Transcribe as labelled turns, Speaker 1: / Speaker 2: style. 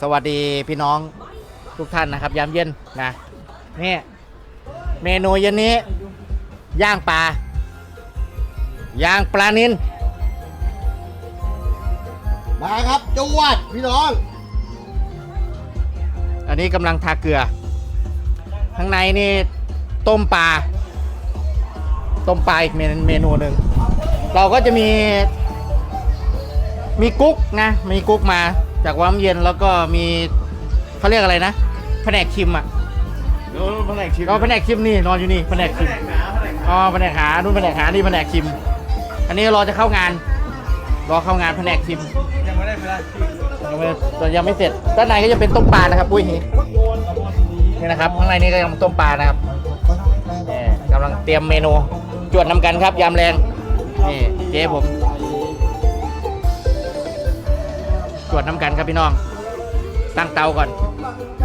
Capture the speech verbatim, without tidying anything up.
Speaker 1: สวัสดีพี่น้องทุกท่านนะครับยามเย็นนะนี่เมนูเย็นนี้ย่างปลาย่างปลานิล
Speaker 2: มาครับจวดพี่น้อง
Speaker 1: อันนี้กำลังทาเกลือข้างในนี่ต้มปลาต้มปลาอีกเมนูหนึ่งเราก็จะมีมีกุ๊กนะมีกุ๊กมาจากวังเย็นแล้วก็มีเขาเรียกอะไรนะแผนกชิมอ่ะ
Speaker 2: แผนกชิม
Speaker 1: ก็แผนกชิมนี่นอนอยู่นี่แผนกชิมอ๋อแผนกหานู่นแผนกหานี่แผนกชิมอันนี้รอจะเข้างานรอเข้างานแผนกชิม
Speaker 2: ยังไม่ได้เวลาชิม
Speaker 1: ยังไม่ยังไม่เสร็จด้านในก็จะเป็นต้มปลานะครับปุ้ยนี่นะครับข้างในนี้ก็ยังต้มปลานะครับนี่กำลังเตรียมเมนูจวดน้ำกันครับยามแรงนี่เจ๊ผมจวดน้ำกันครับพี่น้องตั้งเตาก่อน